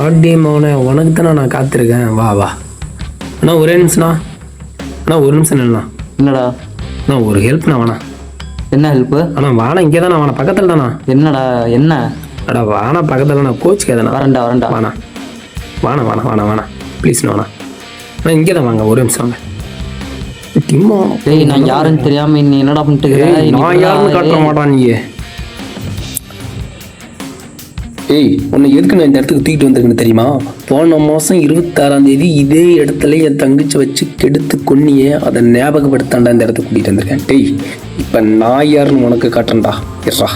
ஆடி மௌனே உனக்கு தானே நான் காத்திருக்கேன். வா வா அண்ணா, ஒரே நிமிஷம்ண்ணா. அண்ணா ஒரு நிமிஷம் இல்லைண்ணா. என்னடா? அண்ணா ஒரு ஹெல்ப்ண்ணா. வேணா. என்ன ஹெல்ப்பு? அண்ணா வாணா, இங்கே தானே வாணா, பக்கத்தில் தானா. என்னடா? என்ன? அடா வாணா, பக்கத்தில் நான் கோச்சுக்காதண்ணா. வரேன்டா வரேன்டா. வாணா வாணா வாணா வாணா வாணா ப்ளீஸ்ண்ணா வாணா. அண்ணா இங்கே தான் வாங்க, ஒரு நிமிஷம் வாங்க. டிம்மா டேய், நான் யாருன்னு தெரியாம நீ என்னடா பண்ணிட்டு இருக்க? நான் யாருன்னு காட்ட மாட்டான் நீ. ஏய், உன்னை எதுக்கு நான் இந்த இடத்துக்கு தூக்கிட்டு வந்திருக்கேன்னு தெரியுமா? போன மாதம் 26ஆம் தேதி இதே இடத்துல என் தங்கச்சி வச்சு கெடுத்து கொன்னியே, அதை ஞாபகப்படுத்தாண்டா இந்த இடத்துக்கு கூட்டிகிட்டு வந்திருக்கேன். டேய், இப்போ நான் யாருன்னு உனக்கு காட்டுறேன்டா. எர்ரா.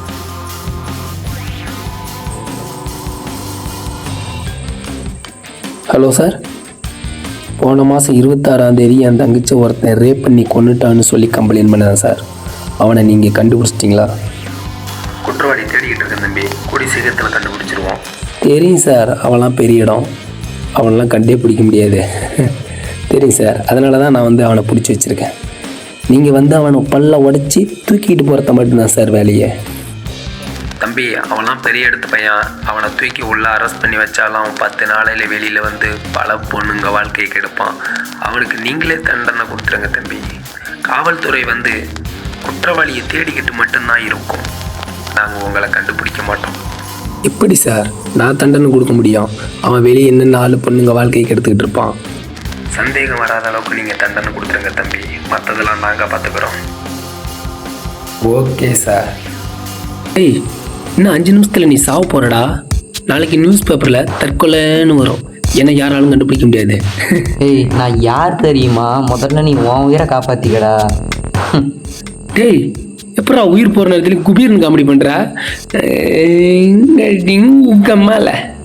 ஹலோ சார், போன மாதம் 26ஆம் தேதி என் தங்கச்சி ஒருத்தன் ரேப் பண்ணி கொன்னுட்டான்னு சொல்லி கம்ப்ளைண்ட் பண்ணேன் சார். அவனை நீங்கள் கண்டுபிடிச்சிட்டிங்களா? குற்றவாளி தேடிக்கிட்டு இருக்கேன் தம்பி, கூடி சீக்கிரத்தில் கண்டுபிடிச்சிருவோம். தெரியும் சார், அவன்லாம் பெரிய இடம், அவனெலாம் கண்டே பிடிக்க முடியாது. தெரியும் சார், அதனால தான் நான் அவனை பிடிச்சி வச்சுருக்கேன். நீங்கள் அவனை பல்ல உடச்சி தூக்கிட்டு போகிறத மட்டும்தான் சார் வேலையே. தம்பி, அவன்லாம் பெரிய இடத்து பையன், அவனை தூக்கி உள்ளே அரெஸ்ட் பண்ணி வச்சாலும் அவன் 10 நாளையில் வெளியில் வந்து பல பொண்ணுங்க வாழ்க்கையை கெடுப்பான். அவனுக்கு நீங்களே தண்டனை கொடுத்துருங்க தம்பி. காவல்துறை குற்றவாளியை தேடிக்கிட்டு மட்டும்தான் இருக்கும், நாங்கள் உங்களை கண்டுபிடிக்க மாட்டோம். எப்படி சார் நான் தண்டனை கொடுக்க முடியும்? அவன் வெளியே என்னென்ன 4 பொண்ணுங்க வாழ்க்கையை கெடுத்துக்கிட்டு இருப்பான். சந்தேகம் வராத அளவுக்கு நீங்கள் தண்டனை கொடுத்துருங்க தம்பி, மற்றதெல்லாம் நாங்கள் பார்த்துக்குறோம். Okay sir. ஏய், இன்னும் 5 நிமிஷத்தில் நீ சாவ போகிறடா. நாளைக்கு நியூஸ் பேப்பரில் தற்கொலைன்னு வரும், என்னை யாராலும் கண்டுபிடிக்க முடியாது. ஏய், நான் யார் தெரியுமா? முதல்ல நீ உன் உயிரை காப்பாற்றிக்கடா. டேய், எப்படா உயிர் போகிற நேரத்தில் குபீர்னு காமெடி பண்ணுற? உங்கம்மால